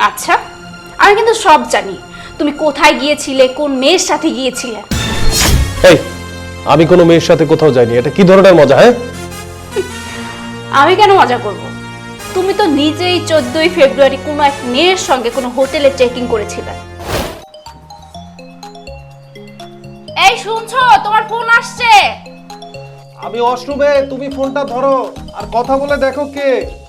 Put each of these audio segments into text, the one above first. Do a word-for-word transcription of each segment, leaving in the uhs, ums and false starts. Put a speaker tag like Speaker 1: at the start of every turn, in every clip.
Speaker 1: আচ্ছা, আমি কিন্তু সব জানি। তুমি কোথায় গিয়েছিলে, কোন মেয়ের সাথে গিয়েছিলে।
Speaker 2: এই, আমি কোনো মেয়ের সাথে কোথাও যাইনি। এটা কি ধরনের মজা? হ্যাঁ,
Speaker 1: আমি কেন মজা করব? তুমি তো নিজেই চোদ্দই ফেব্রুয়ারি কোনো এক মেয়ের সঙ্গে কোনো হোটেলে চেকিং করেছিলে। এই শুনছো, তোমার ফোন আসছে।
Speaker 2: আমি ওয়াশরুমে, তুমি ফোনটা ধরো আর কথা বলে দেখো কে।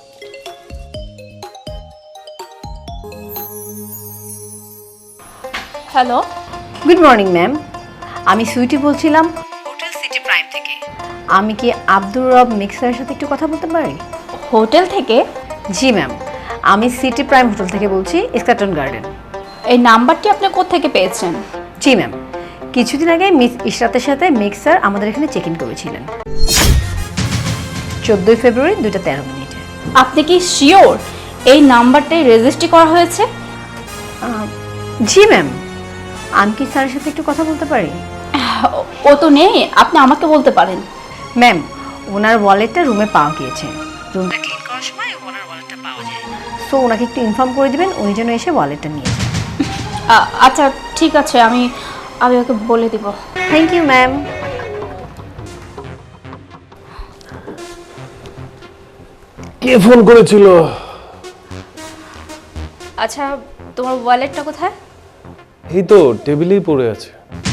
Speaker 1: হ্যালো,
Speaker 3: গুড মর্নিং ম্যাম, আমি সুইটি বলছিলাম হোটেল সিটি প্রাইম থেকে। আমি কি আব্দুর রব মিক্সারের সাথে একটু কথা বলতে পারি?
Speaker 1: হোটেল থেকে?
Speaker 3: জি ম্যাম, আমি সিটি প্রাইম হোটেল থেকে বলছি, স্কাটন গার্ডেন।
Speaker 1: এই নাম্বারটি আপনি কোত্থেকে পেয়েছেন?
Speaker 3: জি ম্যাম, কিছুদিন আগে মিস ইশরাতের সাথে মিক্সার আমাদের এখানে চেক ইন করেছিলেন চোদ্দোই ফেব্রুয়ারি দুইটা তেরো মিনিটে।
Speaker 1: আপনি কি শিওর এই নাম্বারটাই রেজিস্ট্রি করা হয়েছে?
Speaker 3: জি ম্যাম, আমি কি স্যারের সাথে একটু কথা বলতে পারি?
Speaker 1: ও তো নেই, আপনি আমাকে বলতে পারেন।
Speaker 3: ম্যাম, ওনার ওয়ালেটটা রুমে পাওয়া গিয়েছে। রুমটা ক্লিন করার সময় ওনার ওয়ালেটটা পাওয়া যায়, সো ওনাকে একটু ইনফর্ম করে দিবেন উনি যেন এসে ওয়ালেটটা নিয়ে যান।
Speaker 1: আ- আচ্ছা ঠিক আছে, আমি আমি ওকে বলে দিব।
Speaker 3: Thank you ma'am.
Speaker 2: কে ফোন করেছিল?
Speaker 1: আচ্ছা, তোমার ওয়ালেটটা কোথায়?
Speaker 2: এই তো টেবিলেই পড়ে আছে।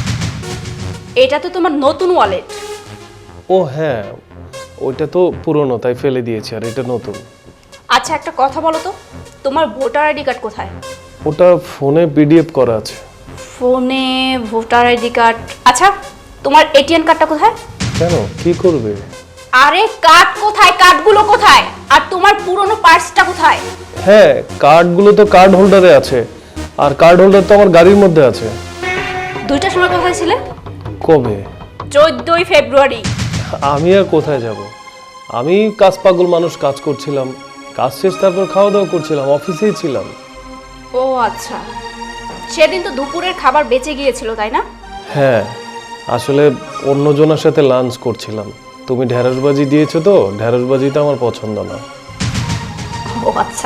Speaker 1: এটা তো তোমার নতুন ওয়ালেট।
Speaker 2: ও হ্যাঁ, ওইটা তো পুরনো, তাই ফেলে দিয়েছি, আর এটা নতুন।
Speaker 1: আচ্ছা একটা কথা বলো তো, তোমার ভোটার আইডি কার্ড কোথায়?
Speaker 2: ওটা ফোনে পিডিএফ করা আছে।
Speaker 1: ফোনে ভোটার আইডি কার্ড? আচ্ছা তোমার এটিএম কার্ডটা কোথায়?
Speaker 2: কেন, কি করবে?
Speaker 1: আরে কার্ড কোথায়, কার্ডগুলো কোথায়? আর তোমার পুরনো পার্সটা কোথায়?
Speaker 2: হ্যাঁ, কার্ডগুলো তো কার্ড হোল্ডারে আছে, আর কার্ড হোল্ডার তো আমার গাড়ির মধ্যে আছে।
Speaker 1: দুইটার সময় কোথায় ছিলে?
Speaker 2: কবে?
Speaker 1: চোদ্দই ফেব্রুয়ারি।
Speaker 2: আমি আর কোথায় যাব? আমি কাজ পাগল মানুষ, কাজ করছিলাম, কাজ শেষ তারপর খাওয়া দাওয়া করছিলাম, অফিসেই ছিলাম।
Speaker 1: ও আচ্ছা, সেদিন তো দুপুরের খাবার বেঁচে গিয়েছিল তাই না?
Speaker 2: হ্যাঁ, আসলে অন্যজনের সাথে লাঞ্চ করছিলাম। তুমি ঢেঁড়সবাজি দিয়েছো তো, ঢেঁড়সবাজিটা আমার পছন্দ না।
Speaker 1: ও আচ্ছা,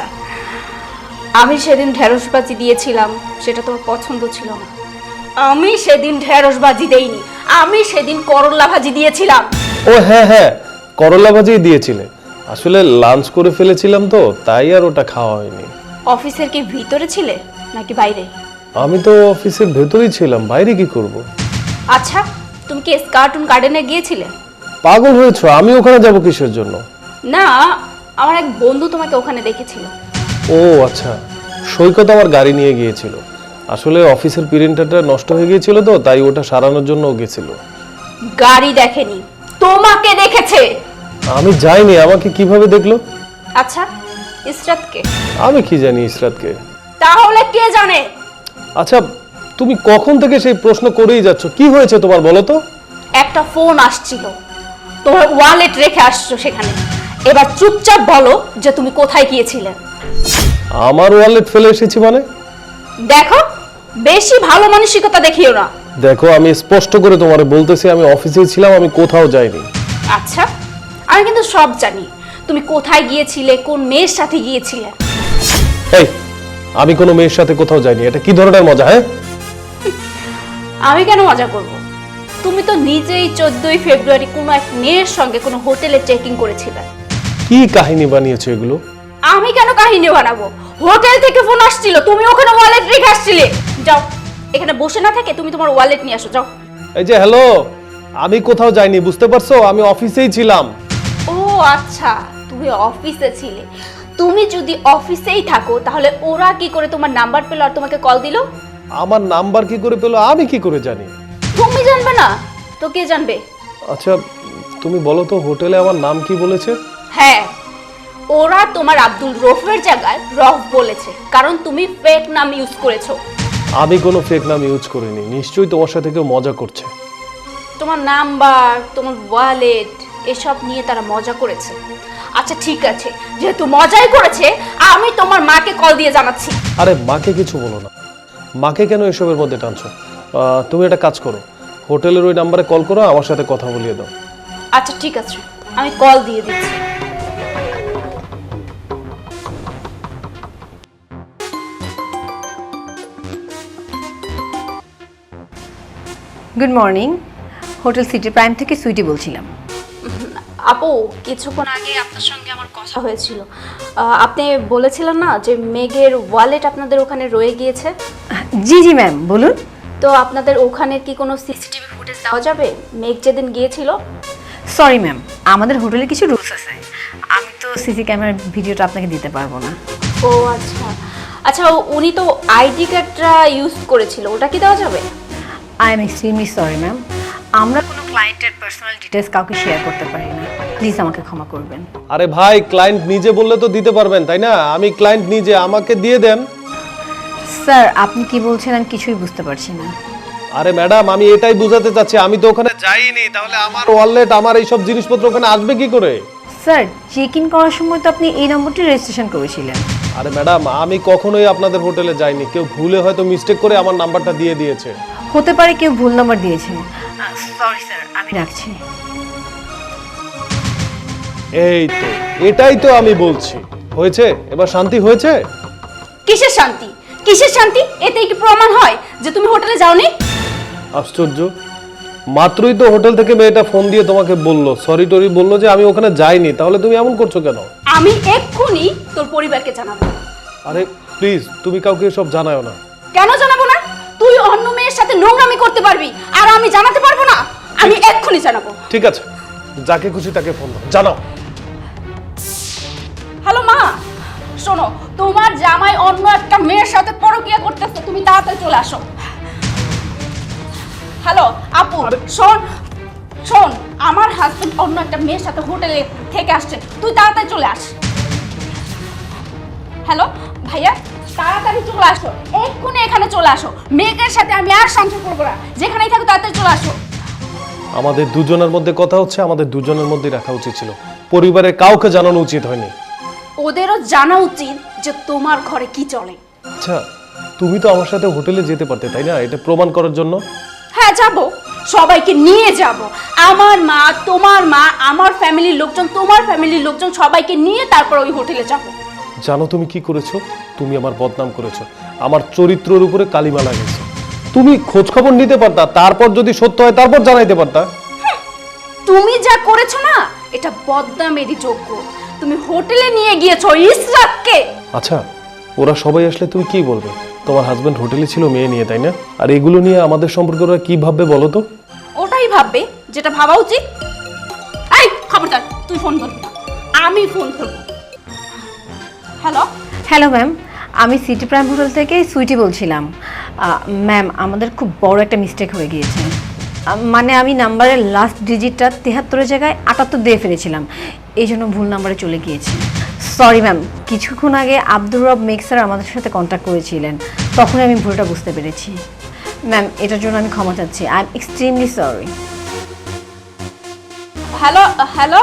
Speaker 1: আমি সেদিন ঢেঁড়সবাজি দিয়েছিলাম, সেটা তোমার পছন্দ ছিল না। আমি সেদিন ঢেঁড়সবাজি দেইনি, আমি সেদিন করলা ভাজি দিয়েছিলাম।
Speaker 2: ও হ্যাঁ হ্যাঁ, করলা ভাজি দিয়েছিলে। আসলে লাঞ্চ করে ফেলেছিলাম তো, তাই আর ওটা খাওয়া হয়নি।
Speaker 1: অফিসের কি ভিতরে ছিলে নাকি বাইরে?
Speaker 2: আমি তো অফিসের ভেতরেই ছিলাম, বাইরে কি করব?
Speaker 1: আচ্ছা, তুমি কি স্কার্টন গার্ডেনে গিয়েছিলে?
Speaker 2: পাগল হয়েছো? আমি ওখানে যাব কিসের জন্য?
Speaker 1: না, আমার এক বন্ধু তোমাকে ওখানে দেখেছিল।
Speaker 2: ও আচ্ছা, সৈকত আমার গাড়ি নিয়ে গিয়েছিল। আসলে অফিসের প্রিন্টারটা নষ্ট হয়ে গিয়েছিল তো, তাই ওটা সারানোর জন্য ও গেছিল।
Speaker 1: গাড়ি দেখেনি, তোমাকে দেখেছে।
Speaker 2: আমি যাইনি, আমাকে কিভাবে দেখলো?
Speaker 1: আচ্ছা, ইসরাতকে?
Speaker 2: আমি কি জানি ইসরাতকে?
Speaker 1: তাহলে কে জানে?
Speaker 2: আচ্ছা, তুমি কখন থেকে সেই প্রশ্ন করেই যাচ্ছ, কি হয়েছে তোমার বলো তো?
Speaker 1: একটা ফোন আসছিল, তোমার ওয়ালেট রেখে আসছো সেখানে। এবার চুপচাপ বলো যে তুমি কোথায় গিয়েছিলে।
Speaker 2: আমার ওয়ালেট ফেলে এসেছি মানে?
Speaker 1: দেখো, বেশি ভালো মানসিকতা দেখিও না।
Speaker 2: দেখো, আমি স্পষ্ট করে তোমারে বলতেছি, আমি অফিসেই ছিলাম, আমি কোথাও যাইনি।
Speaker 1: আচ্ছা, আমি কিন্তু সব জানি। তুমি কোথায় গিয়েছিলে, কোন মেয়ের সাথে গিয়েছিলে।
Speaker 2: এই, আমি কোনো মেয়ের সাথে কোথাও যাইনি। এটা কি ধরনের মজা? হ্যাঁ,
Speaker 1: আমি কেন মজা করব? তুমি তো নিজেই চোদ্দই ফেব্রুয়ারি কোনো এক মেয়ের সঙ্গে কোনো হোটেলে চেকিং করেছিলে।
Speaker 2: কি কাহিনী বানিয়েছো এগুলো?
Speaker 1: আমি কেন কাহিনী বানাবো? হোটেল থেকে ফোন আসছিল, তুমি ওখানে ওয়ালেট রেখে আসছিলে। যাও, এখানে বসে না থেকে তুমি তোমার ওয়ালেট নিয়ে আসো, যাও।
Speaker 2: এই যে হ্যালো, আমি কোথাও যাইনি, বুঝতে পারছো? আমি অফিসেই ছিলাম।
Speaker 1: ও আচ্ছা, তুমি অফিসে ছিলে। তুমি যদি অফিসেই থাকো তাহলে ওরা কি করে তোমার নাম্বার পেলো আর তোমাকে কল দিল?
Speaker 2: আমার নাম্বার কি করে পেলো আমি কি করে জানি?
Speaker 1: তুমি জানবে না তো কে জানবে?
Speaker 2: আচ্ছা, তুমি বলো তো হোটেলে আমার নাম কি বলেছে?
Speaker 1: হ্যাঁ, ওরা তোমার আব্দুল রফের জায়গায় রফ বলেছে, কারণ তুমি ফেক নাম ইউজ করেছো।
Speaker 2: আমি কোনো ফেক নাম ইউজ করিনি, নিশ্চয়ই তোমার সাথে কেউ মজা করছে।
Speaker 1: তোমার নাম্বার, তোমার ওয়ালেট এসব নিয়ে তারা মজা করেছে। আচ্ছা ঠিক আছে, যেহেতু মজাই করেছে, আমি তোমার মাকে কল দিয়ে জানাচ্ছি।
Speaker 2: আরে মাকে কিছু বলো না, মাকে কেন এসবের মধ্যে টানছো? আহ, তুমি একটা কাজ করো, হোটেলের ওই নাম্বারে কল করো, আমার সাথে কথা বলিয়ে দাও।
Speaker 1: আচ্ছা ঠিক আছে, আমি কল দিয়ে দিচ্ছি।
Speaker 3: Good morning, hotel city prime থেকে সুইটি বলছিলাম।
Speaker 1: আপু, কিছুক্ষণ আগে আপনার সঙ্গে আমার কথা হয়েছিল। আহ, আপনি বলেছিলেন না যে মেঘের ওয়ালেট আপনাদের ওখানে রয়ে গিয়েছে।
Speaker 3: জি জি ম্যাম, বলুন।
Speaker 1: তো আপনাদের ওখানে কি কোনো সিসিটিভি ফুটেজ দেওয়া যাবে মেঘ যেদিন গিয়েছিল?
Speaker 3: সরি ম্যাম, আমাদের হোটেলে কিছু রুলস আছে, আমি তো সিসি ক্যামেরার ভিডিওটা আপনাকে দিতে পারবো না।
Speaker 1: ও আচ্ছা আচ্ছা, উনি তো আইডি কার্ডটা ইউজ করেছিল, ওটা কি দেওয়া যাবে?
Speaker 3: I am extremely sorry ma'am, আমরা কোনো ক্লায়েন্টের পার্সোনাল ডিটেলস কাউকে শেয়ার করতে পারি না, প্লিজ আমাকে ক্ষমা করবেন।
Speaker 2: আরে ভাই, ক্লায়েন্ট নিজে বললে তো দিতে পারবেন, তাই না? আমি ক্লায়েন্ট নিজে, আমাকে দিয়ে দেন।
Speaker 3: স্যার, আপনি কি বলছেন আমি কিছুই বুঝতে পারছি না।
Speaker 2: আরে ম্যাডাম, আমি এটাই বুঝাতে চাচ্ছি, আমি তো ওখানে যাইনি, তাহলে আমার ওয়ালেট, আমার এইসব জিনিসপত্র ওখানে আসবে কি করে?
Speaker 3: স্যার, চেক ইন করার সময় তো আপনি এই নম্বরটি রেজিস্ট্রেশন করেছিলেন।
Speaker 2: আরে ম্যাডাম, আমি কখনোই আপনাদের হোটেলে যাইনি, কেউ ভুলে হয়তো মিস্টেক করে আমার নাম্বারটা দিয়ে দিয়েছে।
Speaker 3: হতে পারে কেউ ভুল নাম্বার দিয়েছে। সরি স্যার, আমি রাখছি।
Speaker 2: এই তো, এটাই তো আমি বলছি। হয়েছে, এবার শান্তি হয়েছে?
Speaker 1: কিসের শান্তি কিসের শান্তি? এতেই কি প্রমাণ হয় যে তুমি হোটেলে যাওনি?
Speaker 2: আশ্চর্য, মাত্রই তো হোটেল থেকে মেয়েটা ফোন দিয়ে তোমাকে বললো, সরি টরি বললো যে আমি ওখানে যাইনি, তাহলে তুমি এমন করছো কেন?
Speaker 1: আমি এক্ষুনি তোর পরিবারকে জানাবো।
Speaker 2: আরে প্লিজ, তুমি কাউকে এসব জানাও না।
Speaker 1: কেন জানাবো না? তুই অন্য মেয়ের সাথে নোংরামি করতে পারবি আর আমি জানাতে পারবো না? আমি এক্ষুনি জানাবো।
Speaker 2: ঠিক আছে, যাকে খুশি তাকে ফোন দাও, জানাও।
Speaker 1: হ্যালো মা, শোনো, তোমার জামাই অন্য একটা মেয়ের সাথে পরকীয়া করতেছে, তুমি তাড়াতাড়ি চলে আসো। হ্যালো আপু, শোন শোন আমার হাজবেন্ড অন্য একটা মেয়ের সাথে হোটেলে থেকে আসছে, তুই তাড়াতাড়ি চলে আস। হ্যালো ভাইয়া, তাড়াতাড়ি চলে আসো, এক্ষুনি এখানে চলে আসো। মেয়েদের সাথে আমি আর সংসার করবো না, যেখানেই থাকো তাড়াতাড়ি চলে আসো।
Speaker 2: আমাদের দুজনের মধ্যে কথা হচ্ছে, আমাদের দুজনের মধ্যেই রাখা উচিত ছিল, পরিবারের কাউকে জানানো উচিত হয়নি।
Speaker 1: ওদেরও জানা উচিত যে তোমার ঘরে কি চলে।
Speaker 2: আচ্ছা, তুমি তো আমার সাথে হোটেলে যেতে পারতে, তাই না, এটা প্রমাণ করার জন্য?
Speaker 1: হ্যাঁ যাব, সবাইকে নিয়ে যাব। আমার মা, তোমার মা, আমার ফ্যামিলির লোকজন, তোমার ফ্যামিলির লোকজন, সবাইকে নিয়ে তারপর ওই হোটেলে যাব।
Speaker 2: জানো তুমি কি করেছো? তুমি আমার বদনাম করেছো, আমার চরিত্রের উপরে কালিমা লাগিয়েছো। তুমি খোঁজ খবর নিতে পারতা, তারপর যদি সত্য হয় তারপর জানাইতে পারতা।
Speaker 1: তুমি যা করেছো না, এটা বদনামেরই যোগ্য। তুমি হোটেলে নিয়ে গিয়েছো ইসরাতকে।
Speaker 2: আচ্ছা, ওরা সবাই আসলে তুমি কি বলবে? তোমার হাজবেন্ড হোটেলে ছিল মেয়ে নিয়ে, তাই না? আর এগুলো নিয়ে আমাদের সম্পর্কে ওরা কি ভাববে বলো তো?
Speaker 1: ওটাই ভাববে যেটা ভাবা উচিত। এই খবরদার, তুই ফোন করবি না, আমি ফোন করবো। হ্যালো
Speaker 3: হ্যালো ম্যাম, আমি সিটি প্রাইম হোটেল থেকে সুইটি বলছিলাম। ম্যাম, আমাদের খুব বড় একটা মিস্টেক হয়ে গিয়েছে। আহ, মানে আমি নাম্বারের লাস্ট ডিজিটটা তেহাত্তরের জায়গায় আটাত্তর দিয়ে ফেলেছিলাম, এই জন্য ভুল নাম্বারে চলে গিয়েছি। সরি ম্যাম, কিছুক্ষণ আগে আব্দুর রব মেঘ স্যার আমাদের সাথে কন্ট্যাক্ট করেছিলেন, তখন আমি ভুলটা বুঝতে পেরেছি। ম্যাম, এটার জন্য আমি ক্ষমা চাচ্ছি, I am extremely sorry.
Speaker 1: Hello hello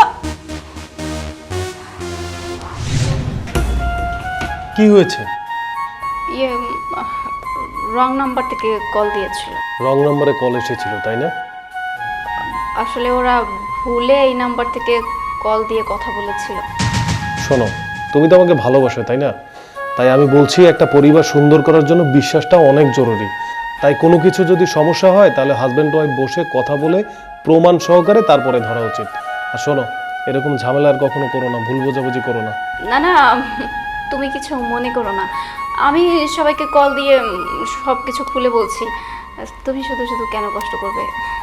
Speaker 2: কি হয়েছে?
Speaker 1: ইয়ে, রং নাম্বার থেকে কল দিয়েছিল।
Speaker 2: রং নম্বরে কল এসেছিল, তাই না?
Speaker 1: আসলে ওরা ভুলে এই নাম্বার থেকে কল দিয়ে কথা বলেছিল।
Speaker 2: শোনো, তুমি তো আমাকে ভালোবাসো, তাই না? তাই আমি বলছি, একটা পরিবার সুন্দর করার জন্য বিশ্বাসটা অনেক জরুরি। তাই কোনো কিছু যদি সমস্যা হয়, তাহলে হাজব্যান্ড ওয়াইফ বসে কথা বলে প্রমাণ সহকারে তারপরে ধরা উচিত। আর শোনো, এরকম ঝামেলা আর কখনো করো না, ভুল বোঝাবুঝি করো না।
Speaker 1: না না, তুমি কিছু মনে করো না, আমি সবাইকে কল দিয়ে সব কিছু খুলে বলছি, তুমি শুধু শুধু কেন কষ্ট করবে?